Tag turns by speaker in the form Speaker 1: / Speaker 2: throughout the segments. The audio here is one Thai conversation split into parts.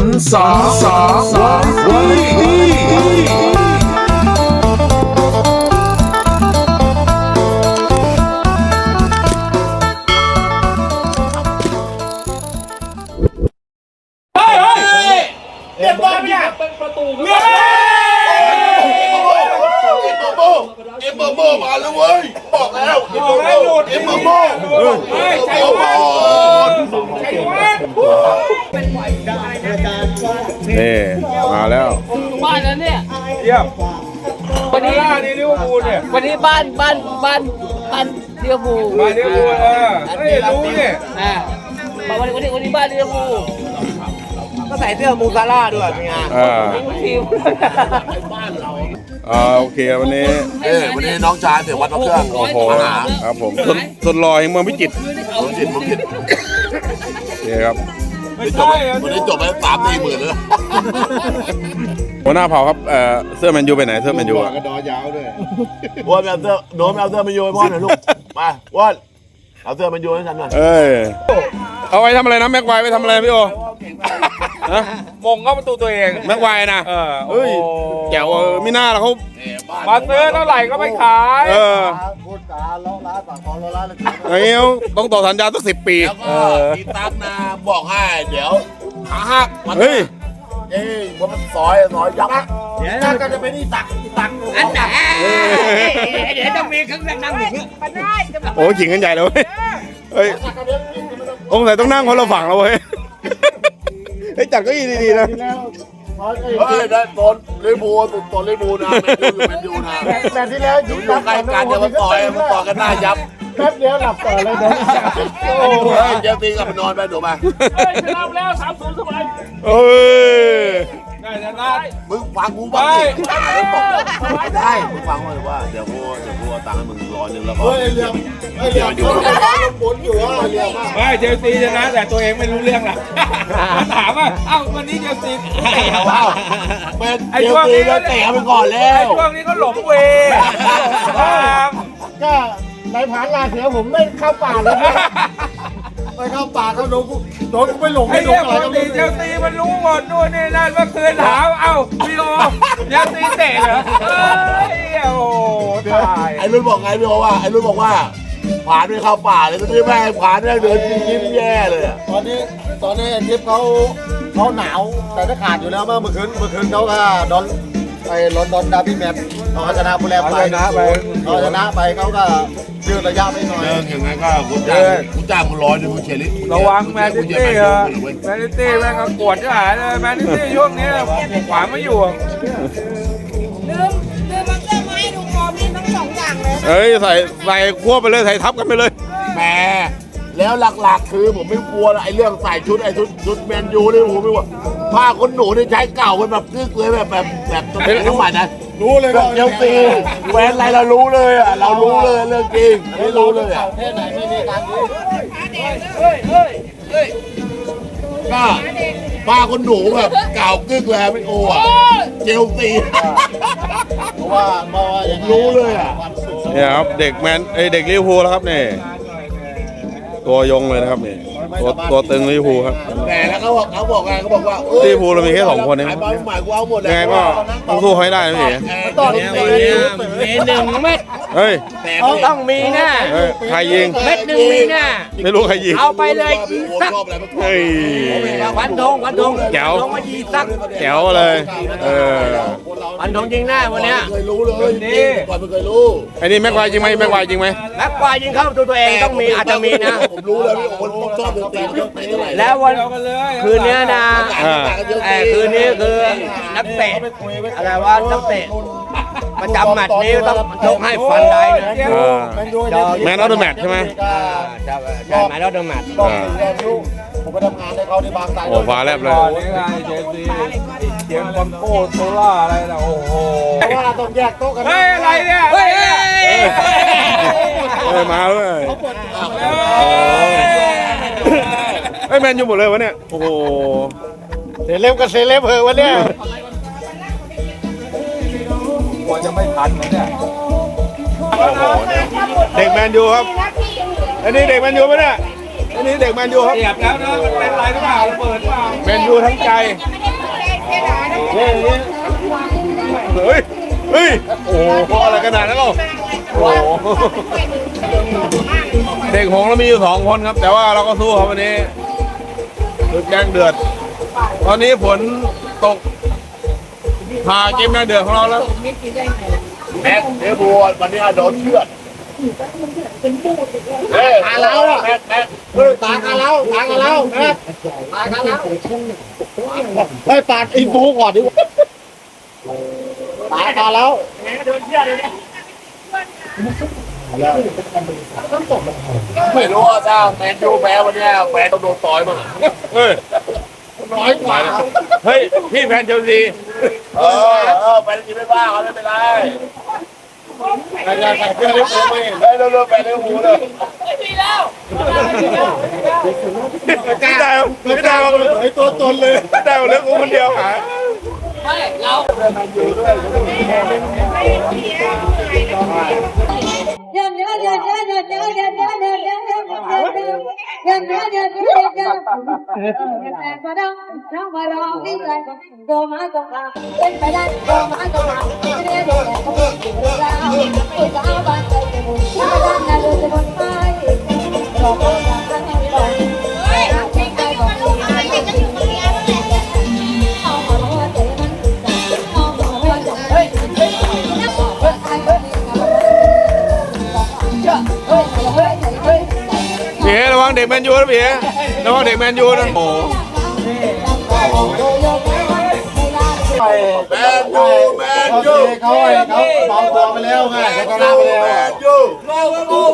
Speaker 1: นสาวาไรตี้
Speaker 2: เรียบร้อยไหมเนี่ยประตูเมีย
Speaker 3: เอ็มโบมาแล้วเว้ยบอกแล้วเอ็มโบ
Speaker 2: ใช่ไหม
Speaker 4: นี่มาแล้ว
Speaker 5: บ้านนั้นเนี่ย
Speaker 2: เยี่ยม
Speaker 5: วันนี้
Speaker 2: นี่ลิเวอร์พูลเนี่ย
Speaker 5: วันนี้บ้านเลี้ยวภู
Speaker 2: มาลิเวอร์พูลเฮ้ยรู้เนี่ย
Speaker 5: วันนี้บ้านเลี้ยวภู
Speaker 6: ก็ใส่เสื้อมูซาร่าด้วยเป็นไง
Speaker 5: ทีม
Speaker 4: โอเควันนี้
Speaker 3: วันนี้น้องชายเสียวัดพระเครื่อง
Speaker 4: โอ้โห
Speaker 3: มาหา
Speaker 4: ครับผมสดลอยเมืองพิจิตร
Speaker 3: ผมจิต
Speaker 4: นี่ครับ
Speaker 3: วันนี้จบไป3-4 หมื่นเลย
Speaker 4: หัวหน้าเผ่าครับเสื้อแมนยูไปไหนเสื้อแมนยูอ่ะ
Speaker 3: กระดอยาวด้วยว่าเอาเสื้อโน้มเอาเสื้อมาโยนพ่อหน่อยลูกมาว่าเอาเสื้อมาโยนให้ฉันหน่อย
Speaker 4: เอ้ยเอาไว้ทำอะไรนะแม็กไวไว้ทำอะไรพี่โอฮะ
Speaker 2: มงเข้าประตูตัวเอง
Speaker 4: แม็กไวนะเฮ้ยแจ๋วมิน่าแล้วเขา
Speaker 2: มาซื้อเท่าไหร่ก็ไม่ขาย
Speaker 6: พูดจาล้อร้านปากคอล้อร้านเลย
Speaker 4: ไอ้เงี้ยต้องต่อสัญญาสัก10 ปี
Speaker 3: แล้วก็พี่ตั๊กนะบอกให้เดี๋ยวขาหักมัน
Speaker 4: เฮ้ย
Speaker 3: ว่ามันซอยยับเดี๋ยวก็จะไปนี่ตัก
Speaker 5: อันไหนเดี๋ยวต้องมีเครื่องนั่งอยู่
Speaker 4: โอ้ขิงกันใหญ่เลยเฮ้ยองค์ไหนต้องนั่งคนละฝั่งแล้วเว้ยเฮ้ยจัดเก็อีดีๆนะ
Speaker 3: เฮ้ยได้ตอนลิบูตอนลิบูนะแมนยูนะ
Speaker 6: แต่ที่แล้ว
Speaker 3: อยู่ใกล้กันเดี๋ยวมันต่อยกันหน้ายับ
Speaker 6: แป๊บเดียวหลับต่อเลยเดี๋ยว
Speaker 3: โอ้ยเจตีกลับไปนอนไปหนูมา
Speaker 2: เฮ้ยชนะแล้ว3-0สบาย
Speaker 4: เอ้ย
Speaker 2: ได้ชนะ
Speaker 3: มึงฟังกูบ้างดิไม่ได้มึงฟังเลยว่าเดี๋ยวกูเอาตังค์ให้มึง100แล้วก็เดี๋ยวอยู่
Speaker 6: หมุนอยู่ว่าเรียมาก
Speaker 2: ไม่เชลซีชนะแต่ตัวเองไม่รู้เรื่องหรอกถามว่าเอ้าวันนี้เชลซี
Speaker 3: เป็นเจตีแล้วเตะไปก่อนแล้ว
Speaker 2: ช่วงนี้ก็หลงเว
Speaker 6: ก็ในผานลาเสือผมไม่เข้าป่าเลยนะไปเข้าป่าเขาโดนกูไปหลง
Speaker 2: ไอ้
Speaker 6: ไม่หล
Speaker 2: เรื่
Speaker 6: ง
Speaker 2: อง
Speaker 6: อะไร
Speaker 2: ป
Speaker 6: ก็
Speaker 2: ก
Speaker 6: ไม่
Speaker 2: ติเชลซีมันรู้หมดนู่นนี่นั่นเมื่อคืนถามเอ้าพี่โอเชลซีเตะเหรอเฮ้ยโอ้ตาย
Speaker 3: ไอ้รุ่นบอกไงพี่บอกว่าไอ้รุ่นบอกว่าผ่านไม่เข้าป่าเลยก็ที่แม่ผ่านแม่เดินยิ้มแย่เลย
Speaker 6: ตอนนี้ทิพย์เขาหนาวแต่ถ้าขาดอยู่แล้วเมื่อคืนเขาก็โดนไอ้ลอนดอนดาร์บี้แมตช์เขาชนะผู้แลไปเขาชนะไปเขาก็ยืดระยะไปหน่อย
Speaker 3: เดินอย่างนั้นก็กูจ้างมึง100มึงเฉลี่ย
Speaker 2: ระวังแมนซิตี้เหรอแมนซิตี้แม่งก็กวดจะหายเลยแมนซิตี้ช่วงนี้ขวางไม่อยู่
Speaker 7: ลืมมันเสื้อมาให้ดูพร้อมนี่ทั้ง2 อย่างเลย
Speaker 4: เฮ้ยใส่ควบไปเลยใส่ทับกันไปเลย
Speaker 3: แหมแล้วหลักๆคือผมไม่กลัวไอ้เรื่องใส่ชุดชุดแมนยูนี่ผมไม่กลัวผ้าขนหนูนี่ใช้เก่าเป็นแบบกึกเลยแบบสมัยสมัยนะ
Speaker 6: รู้เลย
Speaker 3: เชลซีแหวนอะไรเรารู้เลยอ่ะเรารู้เลยเรื่องจริงไม่รู้เลยอ่ะ
Speaker 6: แค่ไหนไม่มีการยืด
Speaker 3: ก็ผ้าขนหนูแบบเก่ากึกเลยไม่โอ้อ่ะเชลซี
Speaker 6: เพราะว่าอย่าง
Speaker 3: รู้เลยอ่ะ
Speaker 4: เนี่ยครับเด็กเด็กลิเวอร์พูลแล้วครับนี่ตัวยงเลยนะครับนี่ตัวตึงลิเวอร์พูลครับ
Speaker 3: แต่แล้วเขาบอกไงเขาบอกว่า
Speaker 4: ลิเวอร์พูลเรามีแค่2 คนเอง
Speaker 3: ไอ้บอลใหม่กูเอาหมดเลย
Speaker 4: ยังไงก็ต้องสู้ให้ได้นะพี่
Speaker 3: ต่อ
Speaker 5: มี1 เม็ด
Speaker 4: เฮ้ย
Speaker 5: ต้องมีแน่
Speaker 4: ใครยิง
Speaker 5: เม็ด 1 มีแน่
Speaker 4: ไม่รู้ใครยิง
Speaker 5: เอาไปเลยยีสัก
Speaker 4: เฮ้ย
Speaker 5: วันธง
Speaker 4: แจ๋ว
Speaker 5: ลงมายีสัก
Speaker 4: แจ๋วเลย
Speaker 5: วันธงจริงแน่วันเนี้ย
Speaker 3: เคยรู้เลยนี่ก่อนไม่เคยรู้
Speaker 4: ไอ้นี่แม็กไวจริงไหมแม็กไวจริงไหม
Speaker 5: แม็กควายยิงเข้าตัวเองต้องมีอาจจะมีนะ
Speaker 3: ผมรู้แล้วพี่โอ้โหชอบดนตรีเท่าไหร่
Speaker 5: แล้ววันคืนนี้นะคืนนี้คือนักเตะอะไรว่านักเตะประจำแมตช์นี้ต้องยกให้ฟันได้นะ
Speaker 4: แมนออฟเดอะแมตช์ใช่ไหม
Speaker 5: ใช่ไหมแล้วเดิมแมตช์
Speaker 6: ผมไปทำงานในเขาในบางสาย
Speaker 4: โอ้ฟ้าแลบเลย
Speaker 2: ก่อนนี้ไงเชลซีเสียงบอลโก้โซล่าอะไรนะโอ้โห
Speaker 6: เพราะว่าเราต้องแยกโต๊ะกัน
Speaker 2: เฮ้ยอะไรเนี่ยเฮ้ย
Speaker 4: มาเลยไอ้แมนยูหมดเลยวะเนี่ยโอ้โห
Speaker 6: เซเลบกับเซเลบเหอะวันเนี้ย
Speaker 2: กลัวจะไม่ทันนะเนี่ย
Speaker 4: เด็กแมนยูครับอันนี้เด็กแมนยูปะเนี่ยอันนี้เด็กแมนยูครับ
Speaker 2: เสียบแล้วนะมันเป็นไรหรือเปล่าระเบิดหรือเปล่า
Speaker 4: แมนยูทั้งใจ เฮ้ย เฮ้ย โอ้โหเพราะอะไรขนาดนั้นหรอโอ้โหเด็กหงส์เรามีอยู่2 คนครับ แต่ว่าเราก็สู้ครับวันนี้ศึกแดงเดือด ตอนนี้ฝนตกพาเกมแดงเดือดของเราแล้ว
Speaker 3: แม็กเดี๋ยวบัววันนี้โดนเชือดเฮ้ยตาเราอ่ะแม็กตากันแล้วตากันแล้วแม็กตากันแล้วเฮ้ยปาดอินฟูก่อนดิตากันแล้วไม่รู้ว่าถ้าแมนยูแพ้วันนี้แพ้ต้องโดนต่อยมั้ง
Speaker 4: เฮ้ย
Speaker 3: น้อยกว่า
Speaker 4: เฮ้ย พี่แฟนเชลซี
Speaker 3: ไปจริงไม่บ้าเขาไม่เป็นไรใส่เสื้อเลี้ยงหูไม่เห็นได้เร็วๆไปเลี้ยงหูเลย
Speaker 4: ไม่ได้ไม่ได้ไอตัวตนเลยไม่ได้เรื่องกูคนเดียวหา พี่ระวังเด็กแมนยูนะพี่ระวังเด็กแมนยูนะโอ้
Speaker 3: แมนยูเขาเบาตัวไปแล้วไงเขาชนะไปแล้วแมนยูแม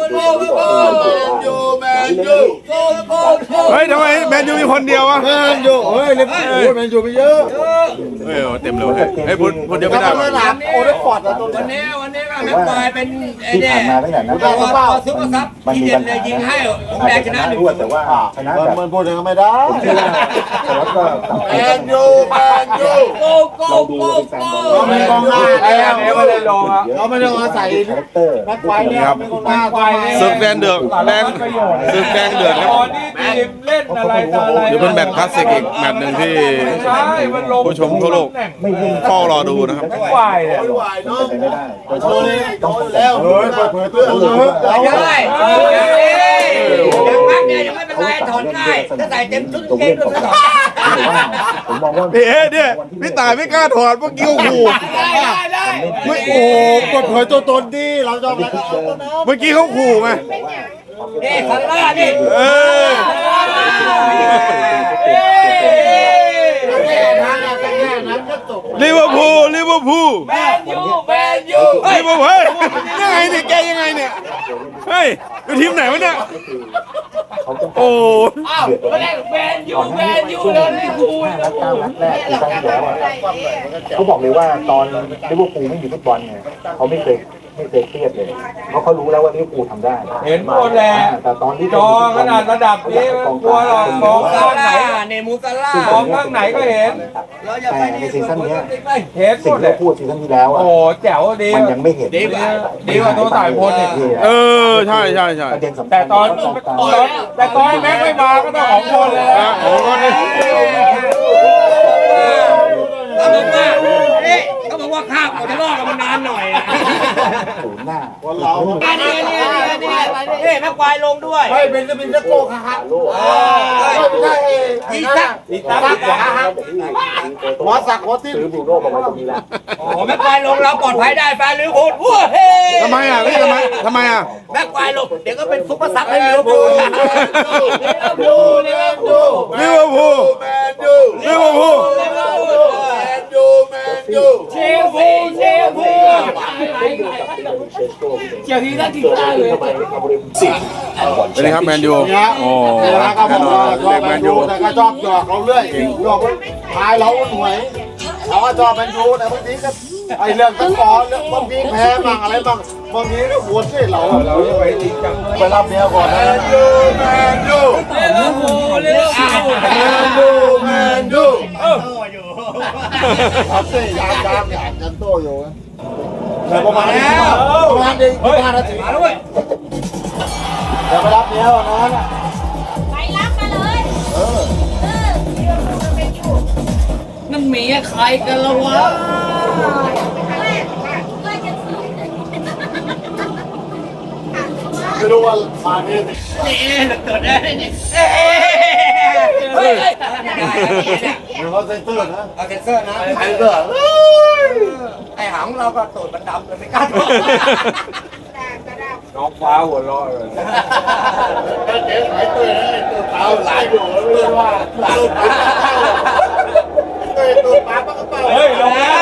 Speaker 3: นยู
Speaker 4: เฮ้ยทำไมแมนยูมีคนเดียววะ
Speaker 6: แมนยูเฮ้ยเล่นแมนยูไปเยอะ
Speaker 4: เฮ้ยเต็มเลยเฮ้ยพูดเดียวไม่ได้
Speaker 6: สนามโอเดฟอร์ดตัว
Speaker 5: วัน
Speaker 6: นี้
Speaker 5: นี้ก็แม็กควายเป็นไอ้เนี่ย
Speaker 1: มาตั้งแต่นั้น
Speaker 5: ตัวซุปเปอร์ซับที่เด่นเลยยิงให้ผมแดงชนะหนึ่ง
Speaker 1: แต่ว่าชนะแบบ
Speaker 6: มันพูดอย่างนั้นไม่ได้
Speaker 1: แล้วก็
Speaker 3: แมนยู
Speaker 5: โก้โก้โก้โก้
Speaker 6: เราไม่กองหน้า
Speaker 2: ไอ้
Speaker 6: แล้ว
Speaker 2: ไม่ได้ลงอ่ะ
Speaker 6: เราไม่ต้องอาศัย
Speaker 1: คาแรคเตอร์
Speaker 6: แม็กไวเนี่ยไม่กองหน้า
Speaker 4: ศึกแดงเดือดศึกแดงเดือดครับ
Speaker 2: ตอนนี้ทีมเล่นอะไรต่ออะไร
Speaker 4: เดี๋ยวเป็นแมตช์คลาสสิกอีกแมตช์หนึ่งที่
Speaker 2: ใช่มันลง
Speaker 4: ผู้ชมทั่วโลกเฝ้ารอดูนะครับ
Speaker 2: แม็กควายเนี่ย
Speaker 3: ไม่ไหวเนาะ
Speaker 1: ไม่ได้
Speaker 3: โชว์นี่โตอยู่แล้ว
Speaker 6: เฮ้ยเปิดเผยตัวเยอะ
Speaker 5: ได้ยังพักเนี่ยยังไม่เป็นไรถอนง่ายถ้าใส่เต็มชุดเกมด้วยไม่ถอน
Speaker 1: ผมมองว่า
Speaker 4: พี่เนี่ยพี่ตายไม่กล้าถอดเมื่อกี้โอ้โห
Speaker 5: ได้
Speaker 6: ไม่โอ้เปิดเผยตัวตนดิเราจะอะไรก็เอานะ
Speaker 4: เมื่อกี้เขาขู่ไง
Speaker 5: นี่ข้างล่างนี่
Speaker 4: เออ ลิเวอร์พูลลิเวอร์พูล
Speaker 5: แมนยู
Speaker 4: ลิเวอร์พูลเฮ้ยยังไงเนี่ยแกยังไงเนี่ยเฮ้ยอยู่ทีมไหนวะเนี่ยโอ้
Speaker 5: แมนยูเลยลิเวอร์พูล
Speaker 1: นัด9 นัดแรกที่ตั้งแล้วเขาบอกเลยว่าตอนลิเวอร์พูลไม่มีฟุตบอลเนี่ยเขาไม่เคยเครียดเลยเพราะเขารู้แล้วว่าลิเวอร์พูลทำได้
Speaker 2: เห็นหมดแหละ
Speaker 1: แต่ตอนที่
Speaker 2: จอขนาดระดับนี้มันกลัวหรอกมองข้างไหน
Speaker 5: เนี่ยมูซาร่าม
Speaker 2: องข้างไหนก็เห็น
Speaker 1: แต่ในซีซั่นนี้
Speaker 2: เห็นห
Speaker 1: สิ่
Speaker 2: ม
Speaker 1: ง
Speaker 2: ดเล
Speaker 1: ที่
Speaker 2: ย
Speaker 1: พูดซีซั่นที่แล้วอ่ะ
Speaker 2: โอ้แจ๋วดี
Speaker 1: มันยังไม่เห็น
Speaker 2: ดีกว่าตัวสายพลอีก
Speaker 4: เออใช่ใช่ใช่
Speaker 1: ประเด็นสำคัญ
Speaker 2: แต่ตอนแม็กไม่มาก็ต้องของคนเลยนะ
Speaker 4: โอ้ก็นี่
Speaker 5: เขาบอกว่าข้าวจะรอดมันนานหน่อย
Speaker 1: ศูนย์หน้า
Speaker 6: คนเรา
Speaker 5: อันนี้แม่ควายลงด้วย
Speaker 6: เฮ้ยเป็นจะเป็นจะโกงฮะไม่ใช่
Speaker 5: อีสัก
Speaker 6: หัวสักหัวติ้น
Speaker 1: ซื้อบรูโน่มาไว้ตรงนี้แล้ว
Speaker 5: โอ้แม่ควายลงเราปลอดภัยได้แฟนลิเวอร์พูลว้าเฮ้
Speaker 4: ทำไมอ่ะพี่ทำไมอ่ะ
Speaker 5: แม่ควายลงเดี๋ยวก็เป็นซุปเปอร์ซับให้ลิเวอร์พูล
Speaker 4: ลิเวอร์พูล
Speaker 3: แมนยู
Speaker 4: ลิเวอร์พูล
Speaker 3: แมนยู
Speaker 5: เชลซีเชียร์ทีนั่นทีตาเลย
Speaker 4: เป็นไงครับแมนยูโอ้
Speaker 6: แล้วก็บ
Speaker 4: แน่
Speaker 6: อก
Speaker 4: นอ
Speaker 6: ว่าน ชอ
Speaker 4: เด็
Speaker 6: บ
Speaker 4: ก
Speaker 6: แม
Speaker 4: แม
Speaker 6: น
Speaker 4: น
Speaker 6: ยู
Speaker 4: ยู
Speaker 6: แต่ก็ชอบหยอกเราเรื่อยหยอกพายเราหน่วยเราก็ชอบแมนยูแต่บางทีก็ไอเรื่องตะกอนเรื่องบางทีแพ้บ้างอะไรบ้างบางทีก็หัวที่เราจะไปจริงจังไปรับเมียก่อนนะ
Speaker 3: แมนยู
Speaker 5: ลิเวอร์พูล
Speaker 3: แมนยู
Speaker 6: ครับเสียยามยันโตอยู่แต่ประมาณนี้ประมาณนี้5 นาที
Speaker 5: มาด้วย
Speaker 6: เดี๋ยวไปรับเมียก่อนนะ
Speaker 7: ไป
Speaker 5: มีใครกันละวะ
Speaker 3: ไม่รู้ว่ามาเนี่ย
Speaker 5: เฮ้ย
Speaker 3: หรือว่าเซนเตอร์นะ
Speaker 5: เอาเซนเซอร์นะ
Speaker 3: เซนเตอร์
Speaker 5: ไอ้หางเราก็ตูดมันดำเลยไม่กล้าดู
Speaker 2: น้องฟ้าหัวเราะเลย
Speaker 3: เจ๊หายตัวเลยตัวเปล่าหลายอยู่ไม่รู้ว่าตัวปลาปลากระเป๋า
Speaker 2: เฮ้ยลงแล้ว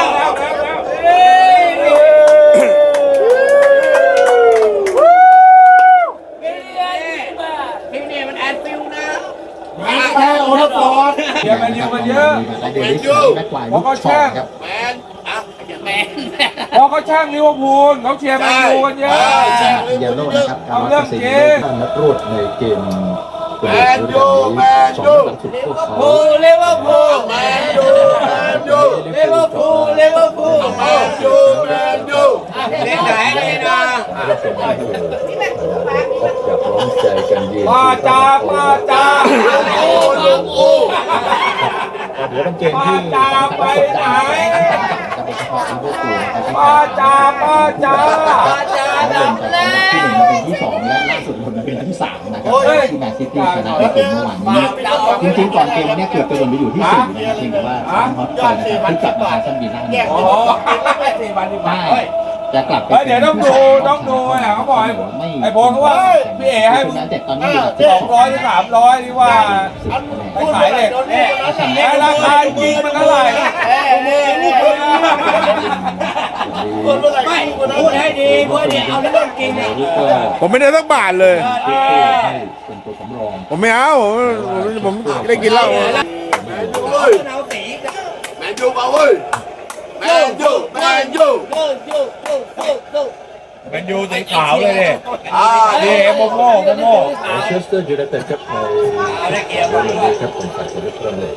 Speaker 5: พี่นี่มันแอนฟิวนะ
Speaker 3: แพ้โอทัฟฟอร์ด
Speaker 2: เชียร์แมนยูกันเยอะ
Speaker 1: เดวิสแม็กควายลูกชอบครับ
Speaker 3: แมนอ่ะแมน
Speaker 2: พอเขาช่างลิเวอร์พูลเขาเชียร์แมนยูกันเยอะ
Speaker 1: เยลโล่นะครับการวัดเปอร์เซ็นต์ท่านนักรวดในเกมเปิดฤดูกาลนี้2นัดหลังสุดพวกเขา
Speaker 5: เลเวอร์พูล
Speaker 3: แมนยูแมนยู
Speaker 5: เลเวอร์พูลเลเวอร์พูล
Speaker 3: แมนยูแมนยู
Speaker 5: เล่นไหนเลยนะ
Speaker 1: ไม่เป็นไรออกจากร้องใจกันยืน
Speaker 2: ป้าจ้าป้าจ้า
Speaker 3: โอ้ลูกโอ้
Speaker 1: เดี๋ยวเป็นเกมที่สำคัญและกดดันทั้งสองฝั่งนะครับโดยเฉพาะลิเวอร์พูลนะครับที่
Speaker 2: ป้าจ้าป้าจ้า
Speaker 1: เขาเดินจากนัดที่1มาเป็นที่2และล่าสุดคนมาเป็นนัดที่3นะครับที่แมนซิตี้ชนะในเกมเมื่อวานนี้จริงๆก่อนเกมเนี่ยเกือบจะลงไปอยู่ที่4นะครับเพียงแต่ว่าทางฮอตเตอร์นะครับที่กลับมาซัมบีน่าเนี่ย
Speaker 2: โอ้โห
Speaker 1: ได้จะกลับไป
Speaker 2: เดี๋ยวต้องดูอ่ะเขาบอกไอ้โบเขาว่าพี่เอ๋ให้มึง
Speaker 1: แต่ตอนนี้อยู่ที่
Speaker 2: 200 ถึง 300ที่ว่าไปขายเหล็กแล้วราคาจริงมันเท่าไหร่
Speaker 5: ไม่พูดให้ดีพูดให้ดีเอาเรื่องจริงเนี่ย
Speaker 4: ผมไม่ได้สักบาทเลย
Speaker 1: เป็นตัวสำรอง
Speaker 4: ผมไม่เอาผมได้กินเหล้า
Speaker 3: แมนยูเว้ย
Speaker 5: เอาสี
Speaker 3: แมนยูมาเว้ยแมนยูแมนยู
Speaker 2: แมนยูสีขาวเลยดิ
Speaker 3: นี่
Speaker 2: โมโม่
Speaker 1: แมนเชสเตอร์ยูไนเต็ดครับในเรื่องนี้ครับเป็นฝ่ายเสด็จเริ่มเลย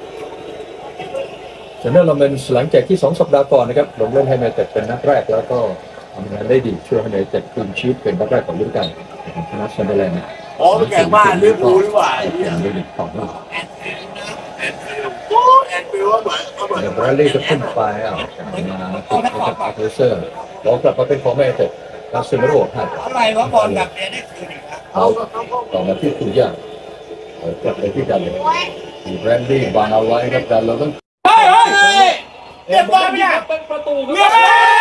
Speaker 1: เซนเนอร์ลอมเบนส์หลังจากที่2 สัปดาห์ก่อนนะครับลงเล่นให้ยูไนเต็ดเป็นนัดแรกแล้วก็ทำงานได้ดีช่วยให้ยูไนเต็ดคืนชีพเป็นนัดแรกของฤดูกาลชนะซันเดอร์แลนด์
Speaker 3: อ๋อแข่งบ้านลิเวอร์พูลดีกว่า
Speaker 1: เป็นลีกของเรา
Speaker 3: แอนฟิลด์เหมือนเหมือน
Speaker 1: เดบราลีก็ขึ้นไปมาติดกับอาร์เทเซอร์ลองกลับมาเป็นของยูไนเต็ดลาซิเมโร่ให้
Speaker 5: อะไรวะบอลแบบเนี้ยได้คืนอีกแล้ว
Speaker 1: เอาต่อมาที่คุณย่ากลับไปที่กันเลยแรนดี้วางเอาไว้ครับแต่เราต้อง
Speaker 5: เรียบร้อยเนี่ยเป็นประตูเรียบร้อย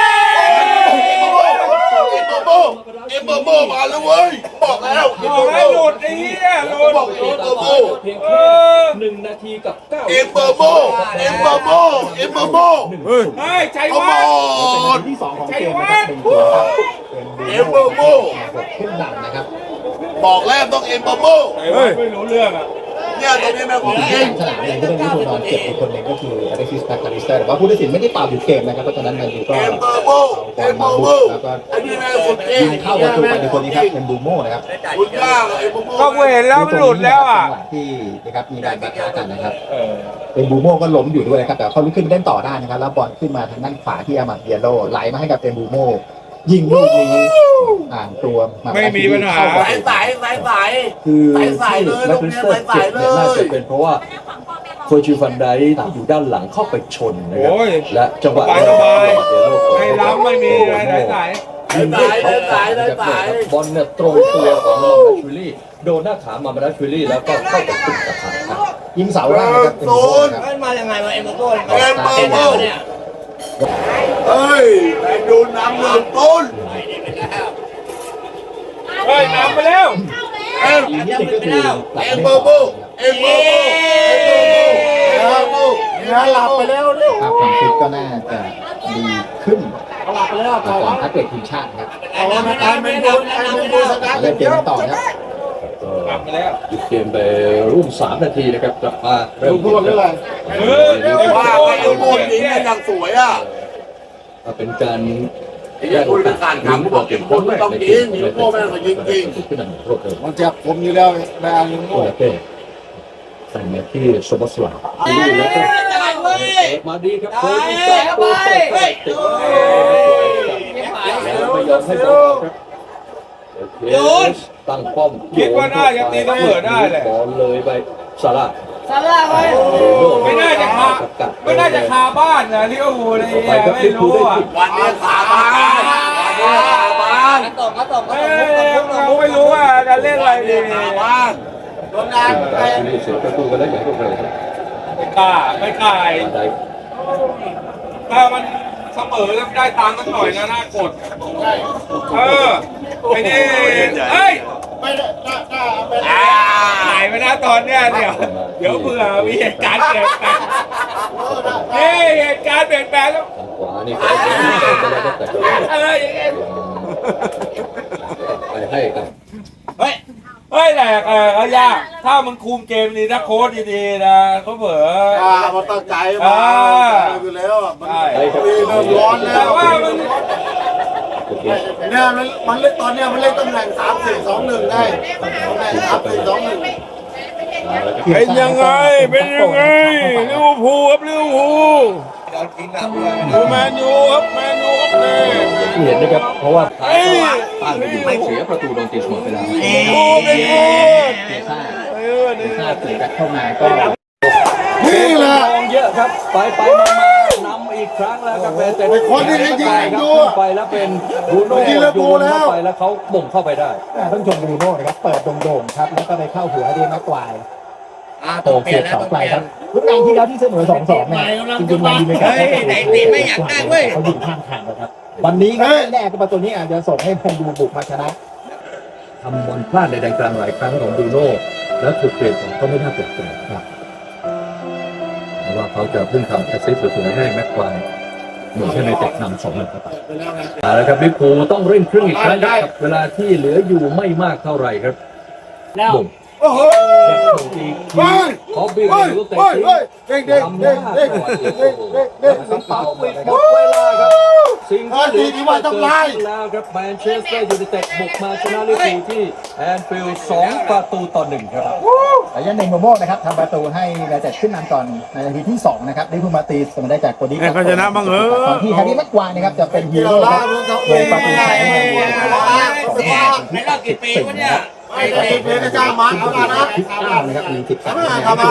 Speaker 3: เอ็มเบอร์โบมาแล้วเว้ยบอกแล้วเอ็ม
Speaker 2: บ
Speaker 3: เบ
Speaker 2: อ
Speaker 3: อก ร์โบ
Speaker 2: ให้หลุดไอ้เหี้ยหลุด
Speaker 3: บอกเอ็มเบอร์โบ
Speaker 2: เออ
Speaker 1: 1 นาทีกับ 9
Speaker 3: เอ็มเบอร์โบเอ็มเบอร์โบเอ็มเบอร์โบ
Speaker 2: เฮ้ยใจ
Speaker 3: เขาบ
Speaker 2: วั
Speaker 3: อน ก
Speaker 1: ที่2ของเกมนะครับเป็นตัวครับ
Speaker 3: เอ็มเบอร์โบ
Speaker 1: ขึ้นนำนะครับ
Speaker 3: บอกแล้วต้องเอ็มเบอร์โบ
Speaker 2: ไม่รู้เรื่องอ่ะ
Speaker 3: เนี่ยตรงนี้แม่งของจริง
Speaker 1: สนามอย่างที่เรื่องนี้ตัวนอนเจ็บอีกคนหนึ่งก็คืออเล็กซิสแมคคาลิสเตอร์แต่ว่าผู้ตัดสินไม่ได้เป่าหยุดเกมนะครับเพราะฉะนั้นแมนยูก็
Speaker 3: เอ็มเบอร์โบ
Speaker 1: เอาบอ
Speaker 3: เอ็
Speaker 1: ล
Speaker 3: มเบ
Speaker 1: มา
Speaker 3: อร์
Speaker 1: บุ
Speaker 3: โบ
Speaker 1: กแล้วก็
Speaker 3: อันนี้แม่งสุดจริง
Speaker 1: ยิงเข้าประตูไปในคนนี้ครับเป็นบูโม่นะครับ
Speaker 3: คุณย่าเอ็มเบอร์โบ
Speaker 2: ก็เห็นแล้วมันหลุดแล้วอ่ะ
Speaker 1: จังหวะที่นะครับมีการปะทะกันนะครับเป็นบูโม่ก็ล้มอยู่ด้วยนะครับแต่เขาลุกขึ้นเล่นต่อได้นะครับแล้วบอลขึ้นมาทางด้านขวาที่อามัดเยโร่ไหลมาให้กับเป็นบูโม่ยิงลูกนี้อ่างตัว
Speaker 2: ไม่มีปัญหา
Speaker 3: สายสาย
Speaker 1: คือ
Speaker 3: สายเลย
Speaker 1: แมคคาลิสเตอร์เจ็บเนี่ยน่าจะเป็นเพราะว่าโคจิฟันไดอยู่ด้านหลังเข้าไปชนนะครับ
Speaker 2: โอ้ย
Speaker 1: และจังหวะ
Speaker 2: สบายๆ
Speaker 1: เยโร่
Speaker 2: ไม่ล้ำไม่มีอะไรไหน
Speaker 1: ยิงด้วยเขาขวานะครับบอลเนี่ยตรงตัวของมาดาชูรี่โดนหน้าขามาดาชูรี่แล้วก็เข้าไปติดกับขาครับยิงเสาแรกนะครับเป็นโกลครับ
Speaker 5: มันมายังไงวะเอ็มโก้
Speaker 3: เอ็มเบอร์โบ
Speaker 5: เนี่ย
Speaker 3: เฮ้ยแมนยูนำ1-0
Speaker 2: เฮ้ยนำไปแล้ว
Speaker 1: อีกนิดนึงก็คือหลับ
Speaker 3: เอ็ม
Speaker 1: ไม่
Speaker 3: เบอร์โบ
Speaker 1: พอ
Speaker 3: เอ็มเบอร์โบเอ็มเบอร์โบเอ็มเบอร์โบหลับไปแล้วเนี่ย
Speaker 1: ภาพความฟิตก็น่าจะดีขึ้นก่อนพักเบรกทีมชาติครับ
Speaker 3: เอาละแมนยูชนะ
Speaker 1: เล่นเกมกันต่อครับ
Speaker 2: กลับไปแล้ว
Speaker 1: หยุดเกมไปร่วม3 นาทีนะครับกลับมาเริ่ม
Speaker 3: พูดเรื่องอะไร
Speaker 2: เฮ้ย
Speaker 3: ว่าแมนยูโมนยิงกันอย่างสวยอ่ะ
Speaker 1: เป็นการ
Speaker 3: ไอ้ยังคุยเป็นการถามผู้บอกเก็บคนไม่ต้องยิงยิงโม่แม่งก็ยิงจริง
Speaker 1: ขึ้นนำรวดเร็ว
Speaker 6: มันเจ็บผมอยู่แล้วแม่ลิง
Speaker 1: โอลาเป้ใส่มาที่โซบัสลาแล้วก็มาดีครับโค้ชติดแล้วไม่ยอมให้บอลครับตั้งป้อมบอลเลยไปซาร่า
Speaker 7: ซาร่าไว้
Speaker 2: ไม่น่าจะคาบ้านนะลิเวอร์พูลอะไรอย่างเงี้ยไม่รู้อ่ะ
Speaker 3: วันนี้ขาบ้านวันนี้ขาบ้าน
Speaker 2: ไม่รู้ว่าจะเล่นอะไรดี
Speaker 3: ขาบ้านโดนงานไป
Speaker 2: ไม่กล้าถ้ามันเสมอแล้วได้ตังค์สักหน่อยนะน่ากดไอ้นี่เอ้ย
Speaker 6: ไม่ได้ถ้าเป็น
Speaker 2: หายไปนะตอนเนี้ยเดี๋ยวเผื่อมีเหตุการณ์เปลี่ยนแปลงเหตุการณ์เปลี่ยนแปลงแล้วอะไรอย่างเงี้ยเฮ้ยแหลกเขายากถ้ามันคุมเกมนี้ถ้าโค้ชดีๆนะเขาเผลอ
Speaker 6: มันตั้งใจมาอยู่แล้วมันมีเริ่มร้อนแล้ว
Speaker 2: แต่ว่ามัน
Speaker 6: เนี่ยมันเล่นตอนเนี้ยมันเล่นตำแหน่ง3-4-2-1ได้ตำแหน่ง3-4-2-1
Speaker 4: เป็นยังไงลิเวอร์พูลครับลิเวอร์พูลดูแมนยูครับเนี่ย
Speaker 1: เห็นนะครับเพราะว่า
Speaker 4: เฮ้ย
Speaker 1: ป้านไปอยู่เสียประตูโดนตีเสมอไปแล้ว
Speaker 4: โอ้เป็นโคตร
Speaker 1: เสียซ่าเสียเข้ามาก็
Speaker 6: นี่แหละ
Speaker 5: เยอะครับไปมานำอีกครั้งแล้วครับแต่
Speaker 6: คนที่ยิงดู
Speaker 5: ไปแล้วเป็นบูโน่โยนเข้าไปแล้วเขาบ่งเข้าไปได้
Speaker 1: ต้องชมบรูโน่นะครับเปิดโด่งๆครับแล้วก็ไปเข้าหัวเดนมากวายโตเสียบเสาไกลครับรุ่นงานที่แล้วที่เสมอ 2-2เนี่ยจริงๆมันดีในการไม่อยากได้เว้ยเขายิงข้ามทางนะครับวันนี้แน่ก็ประตูนี้อาจจะส่งให้แมนยูบุกมาชนะทำบอลพลาดในแดนกลางหลายครั้งของบรูโน่แล้วถูกเปลี่ยนก็ไม่น่าแปลกใจครับเพราะว่าเขาจะเพิ่งทำแอสซิสต์สวยๆให้แม็กควายเหมือนที่ในเตะนำ2-1เข้าไปแล้วครับลิเวอร์พูลต้องเร่งเครื่องอีกครั้งครับเวลาที่เหลืออยู่ไม่มากเท่าไหร่ครับบ่ง
Speaker 6: โอ้โห
Speaker 5: ขอบีบลูกเตะ
Speaker 6: เด้งเด้งเด้งเด้งเด้ง
Speaker 5: เป่าปิดหมดเวลาครับสิ่งที่ว่าทำลายแล้วครับแมนเชสเตอร์ยูไนเต็ดบุกมาชนะลิเวอร์พูลที่แอนฟิลด์2-1ครับ
Speaker 1: ระยะหนึ่งโมโม่นะครับทำประตูให้ยูไนเต็ดขึ้นนำก่อนในนาทีที่2นะครับลิเวอร์พูลมาตีเสมอได้จากโคดี้
Speaker 4: เขาชนะบ้าง
Speaker 1: ตอนที่แฮร์รี่แม็กควายนะครับจะเป็นฮีโร่ครับโดยประตูชัยให้ในรอบกี่ปีวะเนี่ย
Speaker 6: ไม่ได้เพลงจ้ามันเอาละนะ
Speaker 1: 19นะครับมี13คะแนน
Speaker 6: ครับบ้าน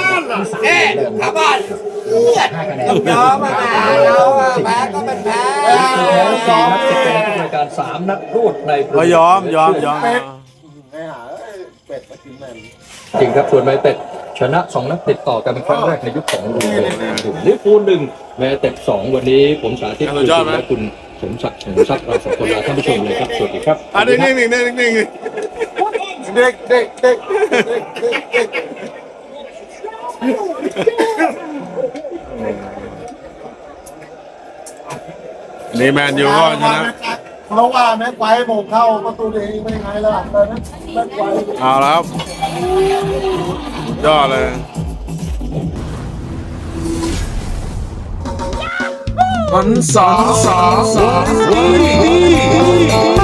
Speaker 1: 5คะแนน
Speaker 5: ยอมมาแพ้ก็เป็นแพ้4 นัดติดในรายการ3 นัดรวดใน
Speaker 4: ยอม
Speaker 6: ไอ้หาเป็ดมากินแม่
Speaker 5: จริงครับส่วนแมนเต็ดชนะ2 นัดติดต่อกันเป็นครั้งแรกในยุคของลูเวนลิเวอร์พูล1แมนเต็ด2วันนี้ผมสาธิตคุณและคุณสมศักดิ์เราสองคนลาท่านผู้ชมเลยครับสวัสดีครับ
Speaker 4: นิ่ง
Speaker 6: เด็ก
Speaker 4: นี่แมนยูก็ชนะ
Speaker 6: เพราะว่าแม็กไวโมงเข้าประตูเองไม่ไงล่ะแม็กไว
Speaker 4: เอาแล้วยอดเลยวัน